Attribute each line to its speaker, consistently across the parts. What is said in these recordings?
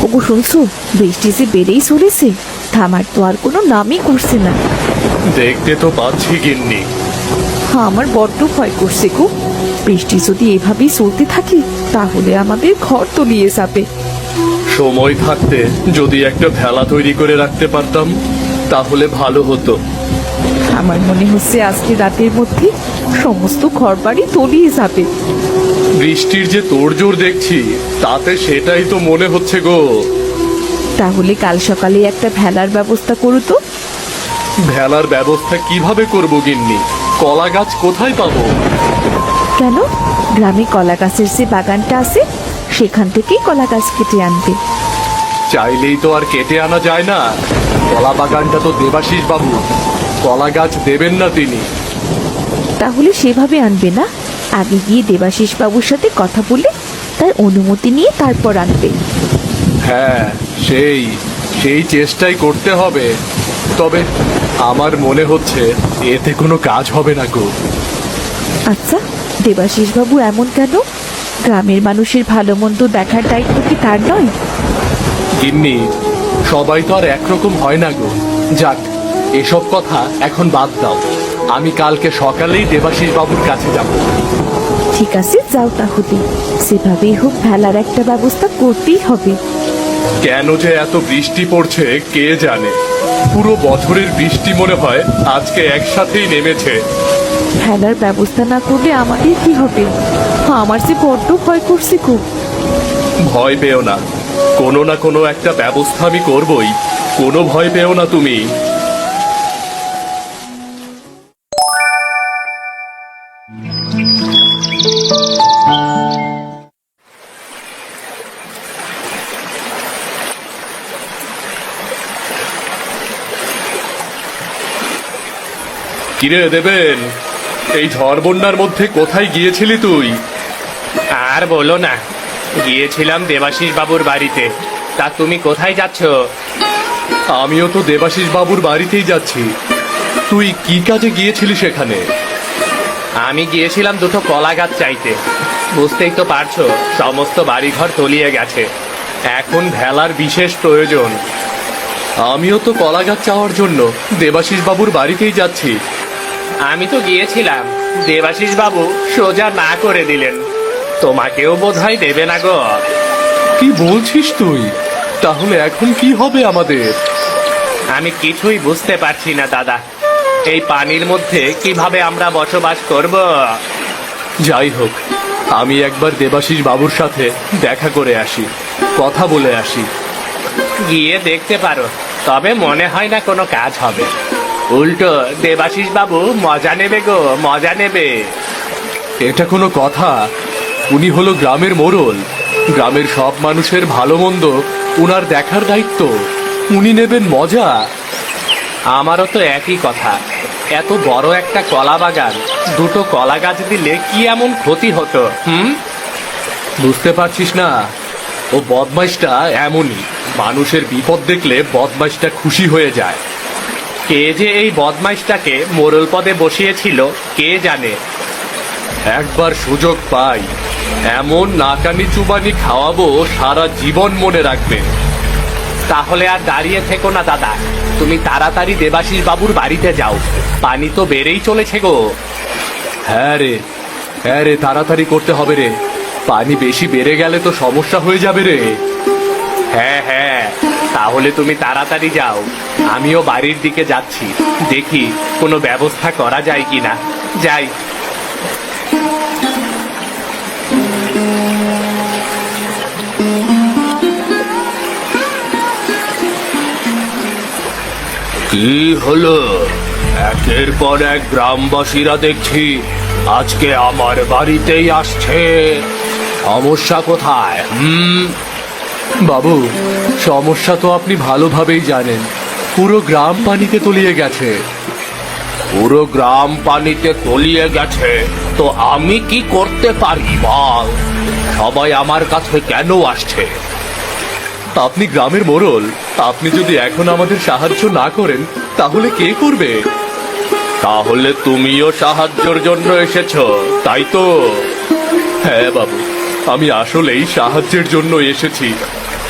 Speaker 1: ওগো শুনছো, বৃষ্টি যে বেড়েই চলেছে, থামার তো আর কোনো নামই করছে না।
Speaker 2: দেখতে তো পাচ্ছি গিন্নি।
Speaker 1: আমার বড্ড ভয় করছে গো। বৃষ্টি যদি এভাবেই চলতে থাকে তাহলে আমাদের ঘর তলিয়ে যাবে।
Speaker 2: সময় থাকতে যদি একটা ভেলা তৈরি করে রাখতে পারতাম তাহলে ভালো হতো।
Speaker 1: আমার মনে হচ্ছে আজকে রাতের মধ্যে সমস্ত ঘর বাড়ি তলিয়ে যাবে।
Speaker 2: বৃষ্টির যে তোড়জোড় দেখছি তাতে সেটাই তো মনে হচ্ছে গো।
Speaker 1: তাহলে কাল সকালে একটা ভেলার ব্যবস্থা করো তো।
Speaker 2: ভেলার ব্যবস্থা কিভাবে করব গিন্নি? কলা গাছ কোথায় পাবো?
Speaker 1: কেন, গ্রামে কলা গাছের যে বাগানটা আছে সেখান থেকেই কলা গাছ কেটে আনবে।
Speaker 2: চাইলেই তো আর কেটে আনা যায় না। কলা বাগানটা তো দেবাশিস বাবু, কলা গাছ দেবেন না তিনি।
Speaker 1: তাহলে সেভাবে আনবে না, আগে গিয়ে দেবাশিস বাবুর সাথে কথা বলে তার অনুমতি নিয়ে তারপর আনবে।
Speaker 2: হ্যাঁ, সেই সেই চেষ্টাই করতে হবে। তবে আমার মনে হচ্ছে এতে কোনো কাজ হবে না গো।
Speaker 1: আচ্ছা, দেবাশিস বাবু এমন কেন? গ্রামের মানুষের ভালো মন্দ দেখার দায়িত্ব কি তার নয়?
Speaker 2: গিন্নি, সবাই তো আর একরকম হয় না গো। যাক, এসব কথা এখন বাদ দাও। আমি কালকে সকালেই দেবাশিস বাবুর কাছে যাব।
Speaker 1: ঠিক আছে, যাও তাহলে। সেভাবেই হোক ভেলার একটা ব্যবস্থা করতেই হবে।
Speaker 2: কেন যে এত বৃষ্টি পড়ছে কে জানে। পুরো বছরের বৃষ্টি মনে হয় আজকে একসাথেই নেমেছে।
Speaker 1: ভেলার ব্যবস্থা না করলে আমাদের কি হবে? আমার যে বড্ড ভয় করছে খুব।
Speaker 2: ভয় পেও না, কোনো না কোনো একটা ব্যবস্থা আমি করবই। কোনো ভয় পেও না তুমি। কিরে দেবেন, এই ঝড় বন্যার মধ্যে কোথায় গিয়েছিলি তুই?
Speaker 3: আর বলো না, গিয়েছিলাম দেবাশিস বাবুর বাড়িতে। তা তুমি কোথায় যাচ্ছ?
Speaker 2: আমিও তো দেবাশিস বাবুর বাড়িতেই যাচ্ছি। তুই কি কাজে গিয়েছিলি সেখানে?
Speaker 3: আমি গিয়েছিলাম দুটো কলা গাছ চাইতে। বুঝতেই তো পারছো, সমস্ত বাড়িঘর তলিয়ে গেছে। এখন ভেলার বিশেষ প্রয়োজন।
Speaker 2: আমিও তো কলা গাছ চাওয়ার জন্য দেবাশিস বাবুর বাড়িতেই যাচ্ছি।
Speaker 3: আমি তো গিয়েছিলাম, দেবাশিস বাবু সোজা না করে দিলেন। তোমাকেও বোধহয় দেবে না গো।
Speaker 2: কি বলছিস তুই? তাহলে এখন কি হবে আমাদের?
Speaker 3: আমি কিছুই বুঝতে পারছি না দাদা। এই পানির মধ্যে কিভাবে আমরা বসবাস করব?
Speaker 2: যাই হোক, আমি একবার দেবাশিস বাবুর সাথে দেখা করে আসি, কথা বলে আসি।
Speaker 3: গিয়ে দেখতে পারো, তবে মনে হয় না কোনো কাজ হবে। উল্টো দেবাশিস বাবু মজা নেবে গো, মজা নেবে।
Speaker 2: এটা কোনো কথা? উনি হলো গ্রামের মোড়ল। গ্রামের সব মানুষের ভালো মন্দ উনার দেখার দায়িত্ব। উনি নেবেন মজা।
Speaker 3: আমারও তো একই কথা। এত বড় একটা কলা বাগান, দুটো কলা গাছ দিলে কি এমন ক্ষতি হতো?
Speaker 2: বুঝতে পারছিস না? ও বদমাইশটা এমনই। মানুষের বিপদ দেখলে বদমাইশটা খুশি হয়ে যায়।
Speaker 3: কে যে এই বদমাইশটাকে মোড়ল পদে বসিয়েছিল কে জানে।
Speaker 2: একবার সুযোগ পাই, এমন নাকানি চুবানি খাওয়াবো সারা জীবন মনে রাখবে।
Speaker 3: তাহলে আর দাঁড়িয়ে থেকো না দাদা, তুমি তাড়াতাড়ি দেবাশিস বাবুর বাড়িতে যাও। পানি তো বেড়েই চলেছে গো।
Speaker 2: হ্যাঁ রে, হ্যাঁ রে, তাড়াতাড়ি করতে হবে রে। পানি বেশি বেড়ে গেলে তো সমস্যা হয়ে যাবে রে।
Speaker 3: হ্যাঁ হ্যাঁ, তাহলে তুমি তাড়াতাড়ি যাও। আমিও বাড়ির দিকে যাচ্ছি, দেখি কোনো ব্যবস্থা করা যায় কিনা। যাই।
Speaker 2: কি হলো? একের পর এক গ্রামবাসীরা দেখছি আজকে আমার বাড়িতেই আসছে। সমস্যা কোথায়? বাবু, সমস্যা তো আপনি ভালোভাবেই জানেন। পুরো গ্রাম পানিতে তলিয়ে গেছে।
Speaker 3: পুরো গ্রাম পানিতে তলিয়ে গেছে তো আমি কি করতে পারি বল? সবাই আমার কাছে কেন আসছে?
Speaker 2: আপনি গ্রামের মোড়ল। আপনি যদি এখন আমাদের সাহায্য না করেন তাহলে কে করবে?
Speaker 3: তাহলে তুমিও সাহায্যের জন্য এসেছো, তাই তো?
Speaker 2: হ্যাঁ বাবু, আমি আসলেই সাহায্যের জন্য এসেছি।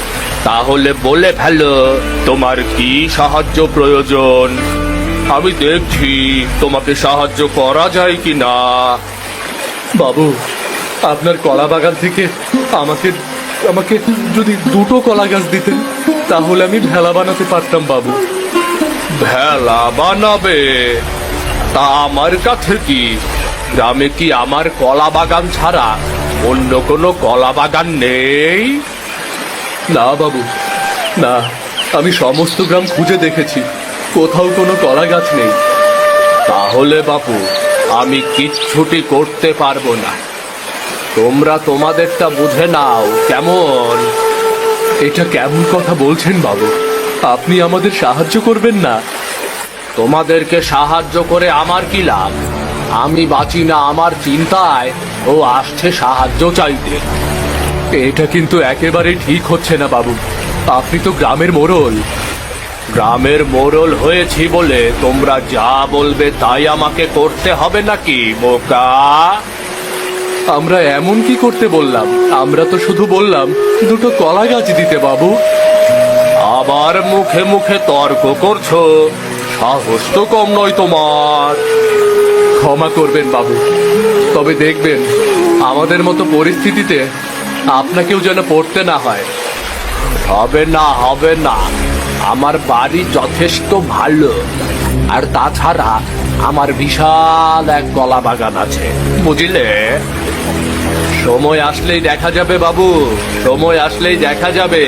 Speaker 3: তাহলে বলে ফেলো তোমার কি সাহায্য প্রয়োজন। আমি দেখছি তোমাকে সাহায্য করা যায় কি না।
Speaker 2: বাবু, আপনার কলা বাগান থেকে আমাকে আমাকে যদি দুটো কলা গাছ দিতেন তাহলে আমি ভেলা বানাতে পারতাম বাবু।
Speaker 3: ভেলা বানাবে? তা আমার কাছে কি, গ্রামে কি আমার কলা বাগান ছাড়া অন্য কোনো কলা বাগান নেই?
Speaker 2: না বাবু, না, আমি সমস্ত গ্রাম খুঁজে দেখেছি, কোথাও কোনো কলা গাছ নেই।
Speaker 3: তাহলে বাপু আমি কিচ্ছুটি করতে পারবো না। তোমরা তোমাদেরটা বুঝে নাও কেমন।
Speaker 2: এটা কেমন কথা বলছেন বাবু? আপনি আমাদের সাহায্য করবেন না?
Speaker 3: তোমাদেরকে সাহায্য করে আমার কি লাভ? আমি বাঁচি না আমার চিন্তায়, ও আসছে সাহায্য চাইতে।
Speaker 2: এটা কিন্তু একেবারে ঠিক হচ্ছে না বাবু। আপনি তো গ্রামের মোড়ল।
Speaker 3: গ্রামের মোড়ল হয়েছি বলে তোমরা যা বলবে তাই আমাকে করতে হবে নাকি বোকা?
Speaker 2: আমরা এমন কি করতে বললাম? আমরা তো শুধু বললাম দুটো কলা গাছ দিতে বাবু।
Speaker 3: আবার মুখে মুখে তর্ক করছো, সাহস তো কম নয় তোমার।
Speaker 2: ক্ষমা করবেন বাবু, তবে দেখবেন আমাদের মতো পরিস্থিতিতে আপনাকেও যেন পড়তে না হয়।
Speaker 3: হবে না, হবে না, আমার বাড়ি যথেষ্ট ভালো। আর তাছাড়া আমার বিশাল এক কলা বাগান আছে, বুঝলে? সময় আসলেই দেখা যাবে বাবু, সময় আসলেই দেখা যাবে।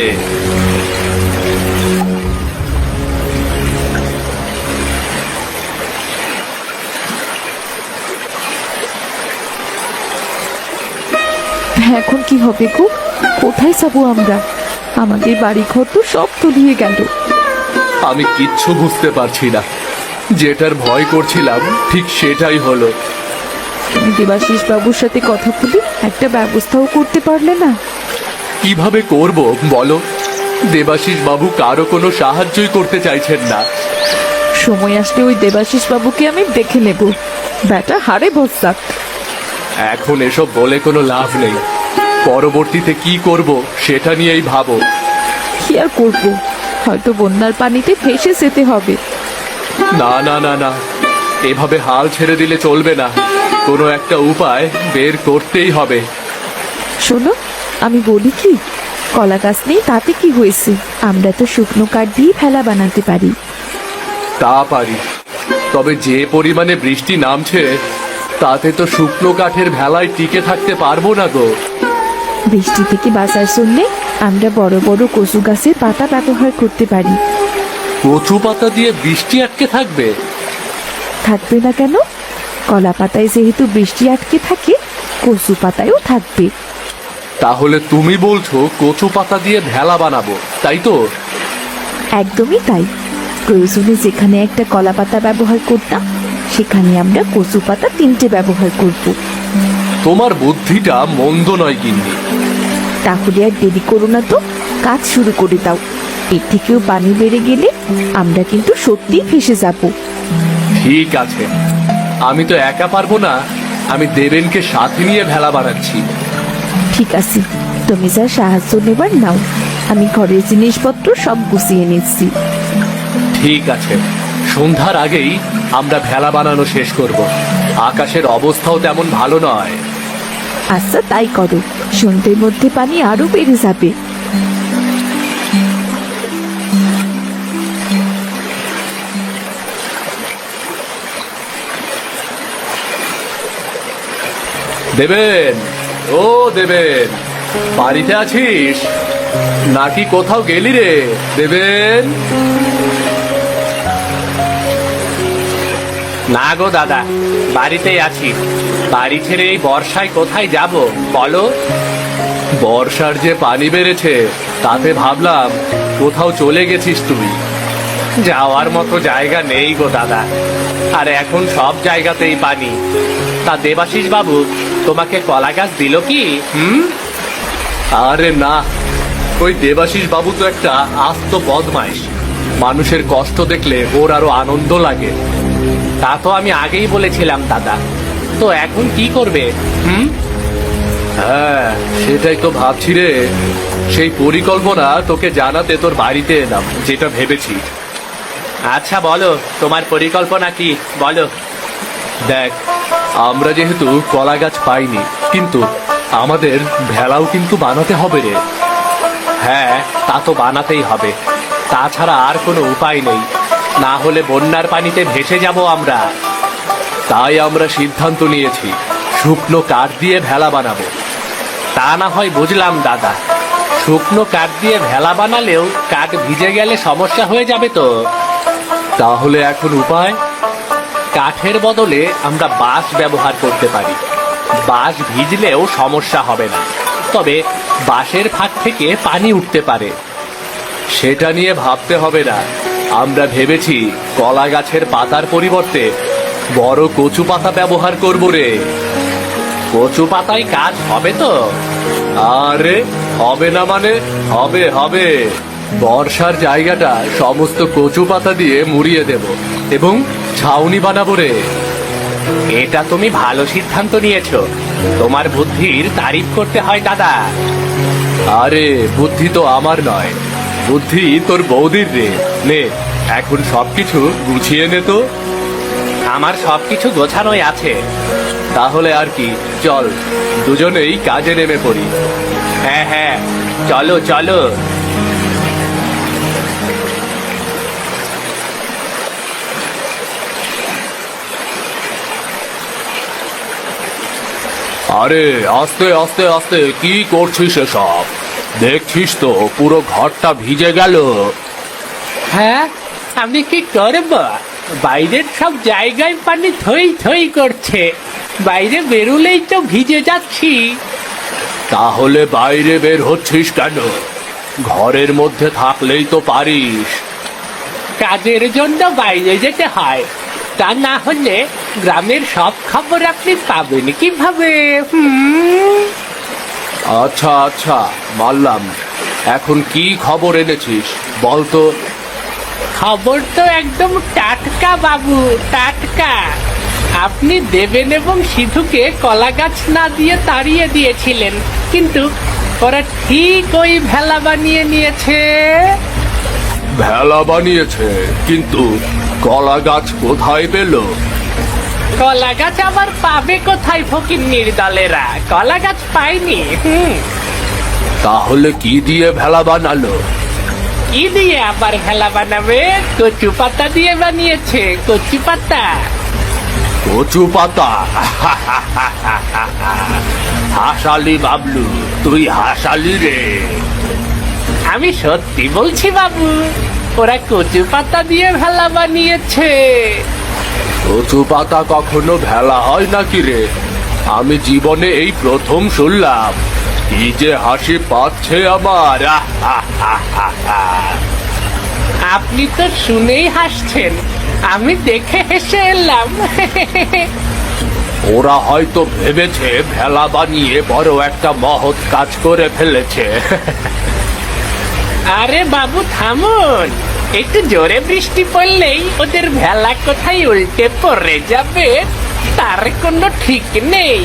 Speaker 1: এখন কি হবে গো? কোথায় যাবো আমরা? আমাদের বাড়ি ঘর তো সব তলিয়ে গেল।
Speaker 2: আমি কিচ্ছু বুঝতে পারছি না। যেটার ভয় করছিলাম ঠিক সেটাই হলো।
Speaker 1: তুমি দেবাশিস বাবুর সাথে কথা বলে একটা ব্যবস্থাও করতে পারলে না?
Speaker 2: কিভাবে করব বলো? দেবাশিস বাবু কারো কোনো সাহায্যই করতে চাইছেন না।
Speaker 1: সময় আসলে ওই দেবাশিস বাবুকে আমি দেখে নেব, ব্যাটা হারে বসাক।
Speaker 2: এখন এসব বলে কোনো লাভ নেই। পরবর্তীতে কি করব সেটা নিয়েই ভাবো।
Speaker 1: কি আর করবো, হয়তো বন্যার পানিতে ভেসে যেতে হবে।
Speaker 2: না না না না, এভাবে হাল ছেড়ে দিলে চলবে না। কোনো একটা উপায় বের করতেই হবে।
Speaker 1: শোনো, আমি বলি কি, কলা গাছ নেই তাতে কি হয়েছে, আমরা তো শুকনো কাঠ দিয়ে ভেলা বানাতে পারি।
Speaker 2: তা পারি, তবে যে পরিমাণে বৃষ্টি নামছে তাতে তো শুকনো কাঠের ভেলায় টিকে থাকতে পারবো না গো।
Speaker 1: বৃষ্টি থেকে বাঁচার জন্যে আমরা বড় বড় কচু গাছের পাতা ব্যবহার করতে পারি।
Speaker 2: কচু পাতা দিয়ে বৃষ্টি আটকে থাকবে?
Speaker 1: থাকবে না কেন? কলা পাতায় যেহেতু বৃষ্টি আটকে থাকে, কচু পাতায়ও থাকবে।
Speaker 2: তাহলে তুমি বলছো কচু পাতা দিয়ে ভেলা বানাবো, তাই তো?
Speaker 1: একদমই তাই। প্রয়োজনে যেখানে একটা কলা পাতা ব্যবহার করতাম, সেখানে আমরা কচু পাতা 3টে ব্যবহার করব।
Speaker 2: তোমার বুদ্ধিটা মন্দ নয় গিন্নি।
Speaker 1: তাহলে আর দেরি করো না তো, কাজ শুরু করে দাও। এর থেকেও পানি বেড়ে গেলে আমরা কিন্তু সত্যিই ফেসে যাব।
Speaker 2: ঠিক আছে, আমি তো একা পারবো না। আমি দেবেনকে সাথে নিয়ে ভেলা বানাচ্ছি।
Speaker 1: ঠিক আছে, তুমি যা সাহায্য নেবার নাও, আমি ঘরের জিনিসপত্র সব গুছিয়ে নিচ্ছি।
Speaker 2: ঠিক আছে, সন্ধ্যার আগেই আমরা ভেলা বানানো শেষ করব। আকাশের অবস্থাও তেমন ভালো নয়।
Speaker 1: আচ্ছা তাই করো, সন্ধ্যের মধ্যে পানি আরো বেড়ে যাবে।
Speaker 2: দেবেন, ও দেবেন, বাড়িতে আছিস নাকি কোথাও গেলি রে দেবেন?
Speaker 3: না গো দাদা, বাড়িতেই আছি। বাড়ি ছেড়ে এই বর্ষায় কোথায় যাব বলো?
Speaker 2: বর্ষার যে পানি বেড়েছে তাতে ভাবলাম কোথাও চলে গেছিস তুই।
Speaker 3: যাওয়ার মতো জায়গা নেই গো দাদা, আর এখন সব জায়গাতেই পানি। তা দেবাশিস বাবু তোমাকে কলা গাছ দিল কি?
Speaker 2: আরে না, ওই দেবাশিস বাবু তো একটা আস্ত বদমাইশ। মানুষের কষ্ট দেখলে ওর আরো আনন্দ লাগে।
Speaker 3: তা তো আমি আগেই বলেছিলাম দাদা, তো এখন কি করবে?
Speaker 2: হ্যাঁ, সেটাই তো ভাবছি রে। সেই পরিকল্পনা তোকে জানাতে তোর বাড়িতে এলাম, যেটা ভেবেছি।
Speaker 3: আচ্ছা বলো, তোমার পরিকল্পনা কি বলো।
Speaker 2: দেখ, আমরা যেহেতু কলা গাছ পাইনি, কিন্তু আমাদের ভেলাও কিন্তু বানাতে হবে রে।
Speaker 3: হ্যাঁ, তা তো বানাতেই হবে, তাছাড়া আর কোনো উপায় নেই, না হলে বন্যার পানিতে ভেসে যাব আমরা।
Speaker 2: তাই আমরা সিদ্ধান্ত নিয়েছি শুকনো কাঠ দিয়ে ভেলা বানাবো।
Speaker 3: তা না হয় বুঝলাম দাদা, শুকনো কাঠ দিয়ে ভেলা বানালেও কাঠ ভিজে গেলে সমস্যা হয়ে যাবে তো।
Speaker 2: তাহলে এখন উপায়?
Speaker 3: কাঠের বদলে আমরা বাঁশ ব্যবহার করতে পারি। বাঁশ ভিজলেও সমস্যা হবে না, তবে বাঁশের ফাঁক থেকে পানি উঠতে পারে।
Speaker 2: সেটা নিয়ে ভাবতে হবে না। আমরা ভেবেছি কলা গাছের পাতার পরিবর্তে বড় কচু পাতা ব্যবহার করব রে।
Speaker 3: কচু পাতায় কাজ হবে তো?
Speaker 2: আরে হবে না মানে? হবে হবে। বর্ষার জায়গাটা সমস্ত কচু পাতা দিয়ে মুড়িয়ে দেব এবং ছাউনি বানাবো রে।
Speaker 3: এটা তুমি ভালো সিদ্ধান্ত নিয়েছো, তোমার বুদ্ধির তারিফ করতে হয় দাদা।
Speaker 2: আরে বুদ্ধি তো আমার নয়, বুদ্ধি তোর বৌদির রে। নে এখন সবকিছু গুছিয়ে নে তো।
Speaker 3: আমার সবকিছু গোছানোই আছে।
Speaker 2: তাহলে আর কি, চল দুজনেই কাজে নেমে পড়ি।
Speaker 3: হ্যাঁ হ্যাঁ, চলো চলো।
Speaker 2: আরে আস্তে আস্তে আস্তে, কি করছিস এসব? দেখছিস তো পুরো ঘরটা ভিজে গেল।
Speaker 3: হ্যাঁ, আমি কি করব? বাইরের সব জায়গায় পানি থই থই করছে, বাইরে বেরুলেই তো ভিজে যাচ্ছি।
Speaker 2: তাহলে বাইরে বের হচ্ছিস কেন? ঘরের মধ্যে থাকলেই তো পারিস।
Speaker 3: কাজের জন্য বাইরে যেতে হয়, তা না হলে গ্রামের সব খবর আপনি পাবেন কিভাবে?
Speaker 2: আচ্ছা আচ্ছা, মানলাম। এখন কি খবর এনেছিস বল তো।
Speaker 3: খবর তো একদম টাটকা বাবু, টাটকা। আপনি দেবেন এবং সিধুকে কলা গাছ না দিয়ে তাড়িয়ে দিয়েছিলেন, কিন্তু ওরা ঠিক ওই ভেলা বানিয়ে নিয়েছে।
Speaker 2: ভেলা বানিয়েছে? কিন্তু কলা গাছ কোথায় পেল?
Speaker 3: কলা গাছ আবার পাবে কোথায় ফকিন্নির দলেরা? কলা গাছ পায়নি।
Speaker 2: তাহলে কি দিয়ে ভেলা বানালো?
Speaker 3: কি দিয়ে আবার ভেলা বানাবে? কচু পাতা দিয়ে বানিয়েছে, কচু পাতা।
Speaker 2: কচু পাতা? হাসালি বাবলু, তুই হাসালি রে।
Speaker 3: আমি সত্যি বলছি বাবু, ওরা কচু পাতা দিয়ে ভেলা বানিয়েছে।
Speaker 2: কচু পাতা কখনো ভেলা হয় নাকি রে? আমি জীবনে এই প্রথম শুনলাম। কি যে হাসি পাচ্ছে আমার।
Speaker 3: আপনি তো শুনেই হাসছেন, আমি দেখে হেসে এলাম।
Speaker 2: ওরা হয়তো ভেবেছে ভেলা বানিয়ে বড় একটা মহৎ কাজ করে ফেলেছে।
Speaker 3: আরে বাবু থামুন, একটু জোরে বৃষ্টি পড়লেই ওদের ভেলা কোথায় উল্টে পড়ে যাবে তার কোনো ঠিক নেই।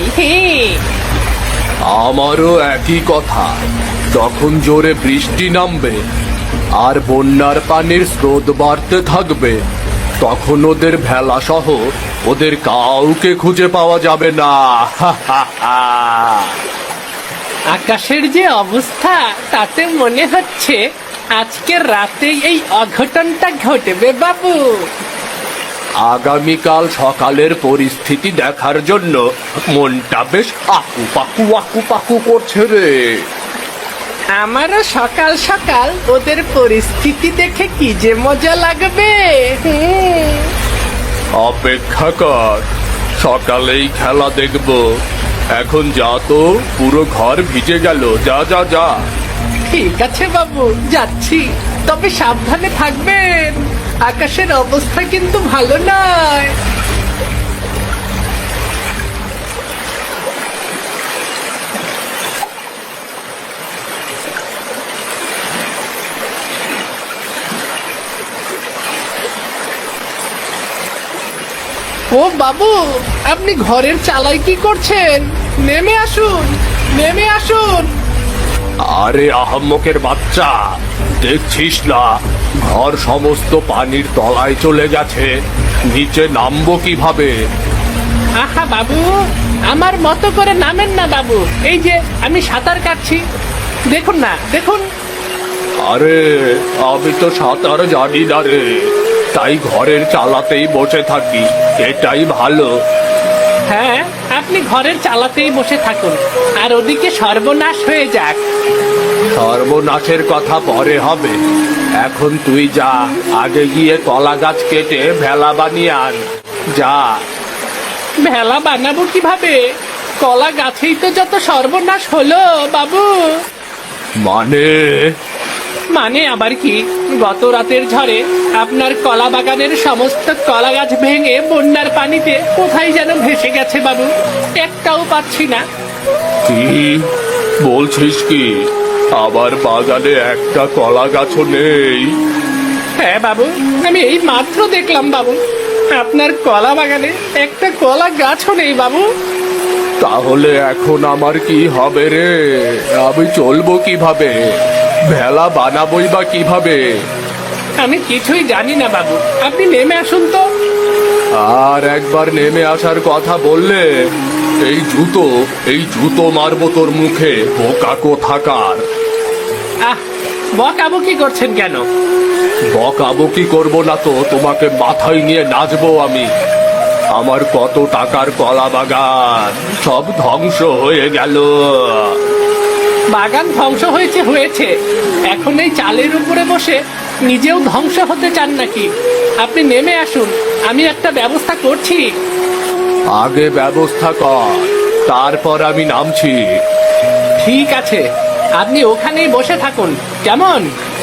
Speaker 2: আমারও একই কথা। যখন জোরে বৃষ্টি নামবে আর বন্যার পানির স্রোত বাড়তে থাকবে, তখন ওদের ভেলা সহ ওদের কাউকে খুঁজে পাওয়া যাবে না।
Speaker 3: আকাশের যে অবস্থা, তাতে মনে হচ্ছে আজকে রাতে এই অঘটনটা ঘটবে বাবু।
Speaker 2: আগামীকাল সকালের পরিস্থিতি দেখার জন্য মনটা বেশ আকু পাকু করছে রে।
Speaker 3: আমারও সকাল সকাল ওদের পরিস্থিতি দেখে কি যে মজা লাগবে।
Speaker 2: অপেক্ষা কর, সকালেই খেলা দেখব। এখন যা তো, পুরো ঘর ভিজে গেল। যা যা যা।
Speaker 3: ঠিক আছে বাবু, যাচ্ছি, তবে সাবধানে থাকবেন। আকাশের অবস্থা কিন্তু ভালো নয়। ও বাবু, আপনি ঘরের চালায় কি করছেন? নেমে আসুন, নেমে আসুন। আরে আহাম্মকের বাচ্চা, দেখছিস না ঘর সমস্ত পানির তলায় চলে গেছে, নিচে নামবো কিভাবে?
Speaker 4: আহা বাবু, আমার মতো করে নামেন না বাবু, এই যে আমি সাঁতার কাটছি, দেখুন না দেখুন।
Speaker 3: আরে আমি তো সাঁতার জানি না রে, তাই ঘরের চালাতেই বসে থাকি, এটাই ভালো।
Speaker 4: হ্যাঁ, আপনি ঘরের চালাতেই বসে থাকুন, আর ওদিকে সর্বনাশ হয়ে যাক।
Speaker 3: সর্বনাশের কথা পরে হবে, এখন তুই যা, আগে গিয়ে কলা গাছ কেটে ভেলা বানিয়ে আন, যা।
Speaker 4: ভেলা বানাবো কিভাবে? কলা গাছেই তো যত সর্বনাশ হলো বাবু।
Speaker 3: মানে?
Speaker 4: মানে আবার কি, গত রাতের ঝড়ে আপনার কলা বাগানের সমস্ত কলা গাছ ভেঙে বন্যার পানিতে কোথায় যেন ভেসে গেছে বাবু, একটাও পাচ্ছি না।
Speaker 3: কি বলছিস কি? আবার বাগানে একটা কলা গাছও নেই?
Speaker 4: হ্যাঁ বাবু, আমি এই মাত্র দেখলাম বাবু, আপনার কলা বাগানে একটা কলা গাছও নেই বাবু।
Speaker 3: তাহলে এখন আমার কি হবে রে? আমি চলবো কিভাবে? ভেলা বানাবই বা কিভাবে?
Speaker 4: আমি কিছুই জানি না বাবু, আপনি নেমে আসুন তো।
Speaker 3: আর একবার নেমে আসার কথা বললে এই জুতো মারবো তোর মুখে, বোকা কোথাকার।
Speaker 4: আহ, বকাবকি করছেন কেন?
Speaker 3: বকাবকি করবো না তো তোমাকে মাথায় নিয়ে নাচবো আমি। আমার কত টাকার কলা বাগান সব ধ্বংস হয়ে গেল।
Speaker 4: বাগান ধ্বংস হয়েছে হয়েছে, এখন এই চালের উপরে বসে নিজেও ধ্বংস হতে চান নাকি? আপনি নেমে আসুন, আমি একটা ব্যবস্থা করছি।
Speaker 3: আগে ব্যবস্থা কর, তারপর আমি নামছি।
Speaker 4: ঠিক আছে, আপনি ওখানেই বসে থাকুন, কেমন?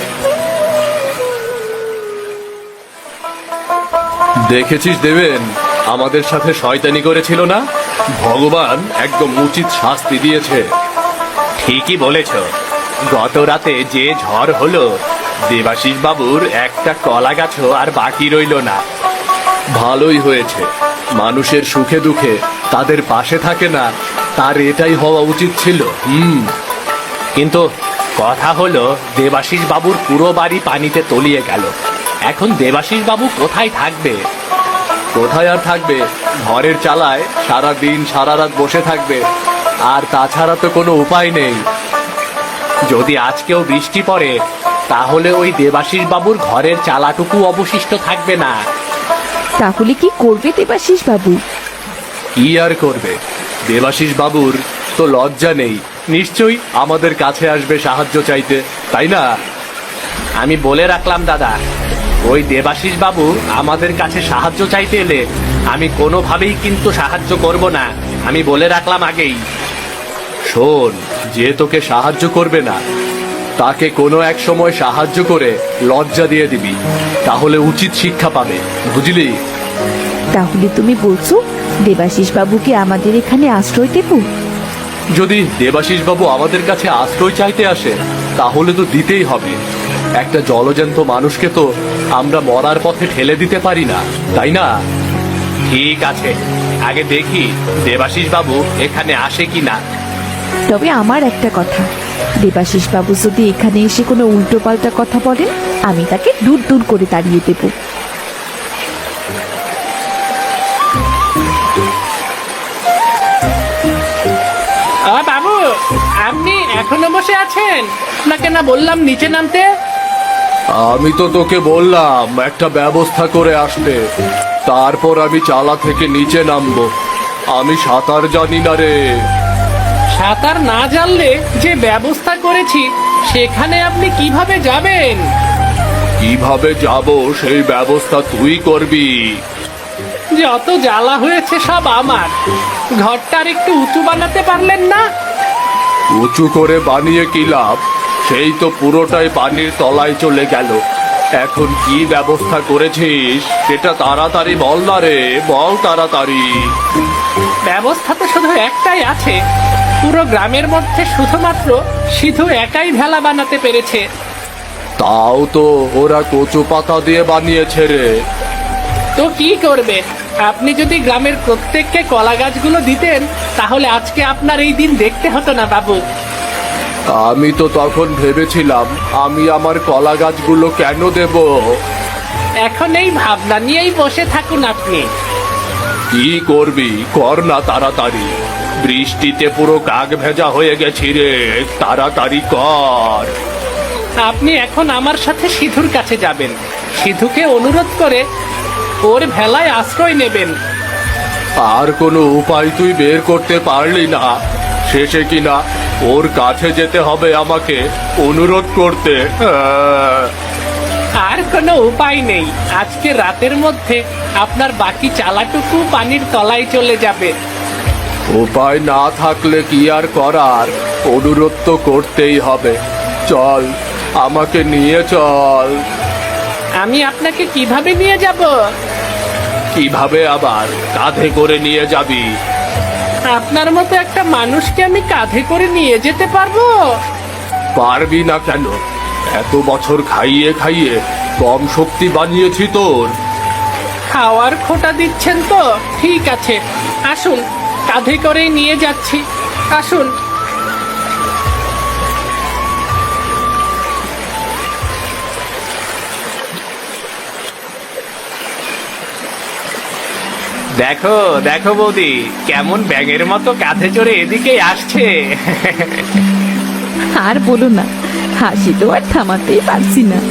Speaker 2: দেখেছিস দেবেন, আমাদের সাথে শয়তানি করেছিল না? ভগবান একদম উচিত শাস্তি দিয়েছে।
Speaker 3: ঠিকই বলেছ, গত রাতে যে ঝড় হলো, দেবাশিস বাবুর একটা কলা গাছও আর বাকি রইল না।
Speaker 2: ভালোই হয়েছে, মানুষের সুখে দুঃখে তাদের পাশে থাকে না, তার এটাই হওয়া উচিত ছিল।
Speaker 3: কিন্তু কথা হলো, দেবাশিস বাবুর পুরো বাড়ি পানিতে তলিয়ে গেল। এখন দেবাশিস বাবু কোথায় থাকবে?
Speaker 2: কোথায় আর থাকবে? ঘরের চালায় সারা দিন সারা রাত বসে থাকবে, আর তাছাড়া তো কোনো উপায় নেই।
Speaker 3: যদি আজকেও বৃষ্টি পড়ে, তাহলে ওই দেবাশিস বাবুর ঘরের চালাটুকু অবশিষ্ট থাকবে না।
Speaker 1: তাহলে কি করবে দেবাশিস বাবু?
Speaker 2: কি আর করবে? দেবাশিস বাবুর তো লজ্জা নেই, নিশ্চয়ই আমাদের কাছে আসবে সাহায্য চাইতে, তাই না?
Speaker 3: আমি বলে রাখলাম দাদা, ওই দেবাশিস বাবু আমাদের কাছে সাহায্য চাইতে এলে আমি কোনোভাবেই কিন্তু সাহায্য করব না, আমি বলে রাখলাম আগেই।
Speaker 2: শোন, যে তোকে সাহায্য করবে না তাকে কোনো এক সময় সাহায্য করে লজ্জা দিয়ে দিবি, তাহলে উচিত শিক্ষা পাবে, বুঝলি?
Speaker 1: তাহলে তুমি বলছো দেবাশিস বাবুকে আমাদের এখানে আশ্রয় দেব?
Speaker 2: যদি দেবাশিস বাবু আমাদের কাছে আশ্রয় চাইতে আসে, তাহলে তো দিতেই হবে। একটা জলজ্যান্ত মানুষকে তো আমরা মরার পথে ঠেলে দিতে পারি না, তাই না?
Speaker 3: ঠিক আছে, আগে দেখি দেবাশিস বাবু এখানে আসে কিনা।
Speaker 1: তবে আমার একটা কথা, দেবাশিস বাবু যদি এখানে এসে কোনো উল্টোপাল্টা কথা বলেন, আমি তাকে দূর দূর করে তাড়িয়ে দেব।
Speaker 4: বাবু, আপনি এখনো বসে আছেন? আপনাকে না বললাম নিচে নামতে?
Speaker 2: আমি তো তোকে বললাম একটা ব্যবস্থা করে আসতে, তারপর আমি চালা থেকে নিচে নামবো। আমি সাঁতার জানি না রে।
Speaker 4: সাঁতার না জানলে যে ব্যবস্থা করেছি সেখানে আপনি কিভাবে যাবেন?
Speaker 2: কিভাবে যাব সেই ব্যবস্থা তুই করবি।
Speaker 4: যত জ্বালা হয়েছে সব আমার, ঘরটার একটু উঁচু বানাতে পারলেন না?
Speaker 2: উঁচু করে বানিয়ে কি লাভ? সেই তো পুরোটাই পানির তলায় চলে গেল। এখন কি ব্যবস্থা করেছিস সেটা তাড়াতাড়ি বল না রে, বল তাড়াতাড়ি।
Speaker 4: ব্যবস্থা তো শুধু একটাই আছে, পুরো গ্রামের মধ্যে শুধুমাত্র সিধু একাই ভেলা বানাতে পেরেছে।
Speaker 2: তাও তো ওরা কচু পাতা দিয়ে বানিয়েছে রে।
Speaker 4: তো কি করবে? আপনি যদি গ্রামের প্রত্যেককে কলা গাছগুলো দিতেন, তাহলে আজকে আপনার এই দিন দেখতে হতো না বাবু।
Speaker 2: আমি তো তখন ভেবেছিলাম আমি আমার কলা গাছগুলো কেন দেব।
Speaker 4: এখন এই ভাবনা নিয়েই বসে থাকুন আপনি।
Speaker 2: কি করবি কর না তাড়াতাড়ি, বৃষ্টিতে পুরো কাক ভেজা হয়ে গেছি রে, তাড়াতাড়ি কর।
Speaker 4: আপনি এখন আমার সাথে সিধুর কাছে যাবেন, সিধুকে অনুরোধ করে ওর ভেলায় আশ্রয় নেবেন।
Speaker 2: আর কোনো উপায় তুই বের করতে পারলি না? শেষে কিনা ওর কাছে যেতে হবে আমাকে অনুরোধ করতে?
Speaker 4: আর কোনো উপায় নেই, আজকে রাতের মধ্যে আপনার বাকি চালাটুকু পানির তলায় চলে যাবে।
Speaker 2: উপায় না থাকলে কি আর করার, অনুরোধ তো করতেই হবে। চল, আমাকে নিয়ে চল।
Speaker 4: আমি আপনাকে কিভাবে নিয়ে যাব?
Speaker 2: কিভাবে আবার, কাঁধে করে নিয়ে যাবি?
Speaker 4: আপনার মতো একটা মানুষকে আমি কাঁধে করে নিয়ে যেতে পারবো?
Speaker 2: পারবি না কেন? এত বছর খাইয়ে খাইয়ে কম শক্তি বানিয়েছি তোর।
Speaker 4: খাওয়ার খোটা দিচ্ছেন তো? ঠিক আছে, আসুন, কাঁধে করে নিয়ে যাচ্ছি, আসুন। দেখো দেখো বৌদি, কেমন ব্যাঙের মতো কাঁধে চড়ে এদিকে আসছে।
Speaker 1: আর বলো না, হাসি তো আর থামাতেই পারছি না।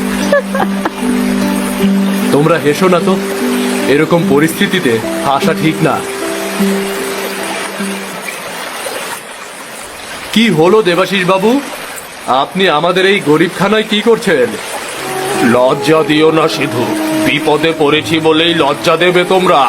Speaker 2: তোমরা হেসো না তো, এরকম পরিস্থিতিতে হাসা ঠিক না। কি হলো দেবাশিস বাবু, আপনি আমাদের এই গরিবখানায় কি করছেন? লজ্জা দিও না সিধু, বিপদে পড়েছি বলেই লজ্জা দেবে তোমরা?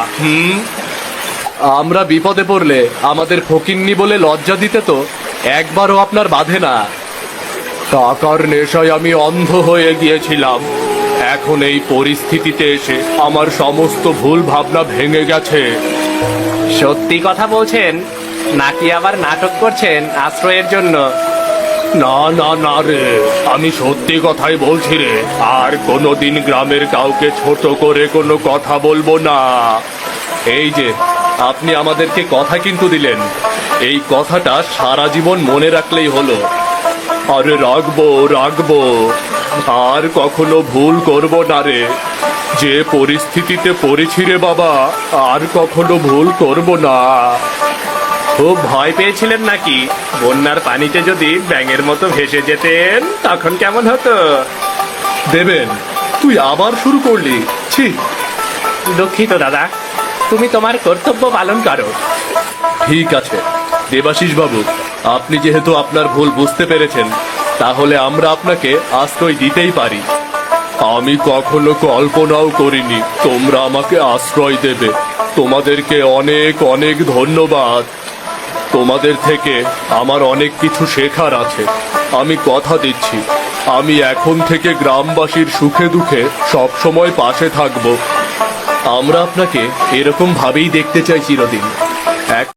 Speaker 2: আমরা বিপদে পড়লে আমাদের ফকিন্নি বলে লজ্জা দিতে তো একবারও আপনার বাধে না। টাকার নেশায় আমি অন্ধ হয়ে গিয়েছিলাম, এখন এই পরিস্থিতিতে এসে আমার সমস্ত ভুল ভাবনা ভেঙে গেছে।
Speaker 4: সত্যি কথা বলছেন নাকি আবার নাটক করছেন আশ্রয়ের জন্য?
Speaker 2: না না না রে, আমি সত্যি কথাই বলছি রে, আর কোনোদিন গ্রামের কাউকে ছোট করে কোনো কথা বলবো না। এই যে আপনি আমাদেরকে কথা কিন্তু দিলেন, এই কথাটা সারা জীবন মনে রাখলেই হলো। আরে রাখবো রাখবো, আর কখনো ভুল করব না রে। যে পরিস্থিতিতে পড়েছি রে বাবা, আর কখনো ভুল করব না।
Speaker 4: খুব ভয় পেয়েছিলেন নাকি? বন্যার পানিতে যদি ব্যাঙের মতো ভেসে যেতেন তখন কেমন হতো?
Speaker 2: দেবেন, তুই আবার শুরু করলি? ছি!
Speaker 4: দুঃখিত দাদা, তুমি তোমার কর্তব্য পালন করো।
Speaker 2: ঠিক আছে দেবাশিস বাবু, আপনি যেহেতু আপনার ভুল বুঝতে পেরেছেন, তাহলে আমরা আপনাকে আশ্রয় দিতেই পারি। আমি কখনো কল্পনাও করিনি তোমরা আমাকে আশ্রয় দেবে। তোমাদেরকে অনেক অনেক ধন্যবাদ। তোমাদের থেকে আমার অনেক কিছু শেখার আছে। আমি কথা দিচ্ছি, আমি এখন থেকে গ্রামবাসীর সুখে দুঃখে সব সময় পাশে থাকব। আমরা আপনাকে এরকম ভাবেই দেখতে চাই চিরদিন। এক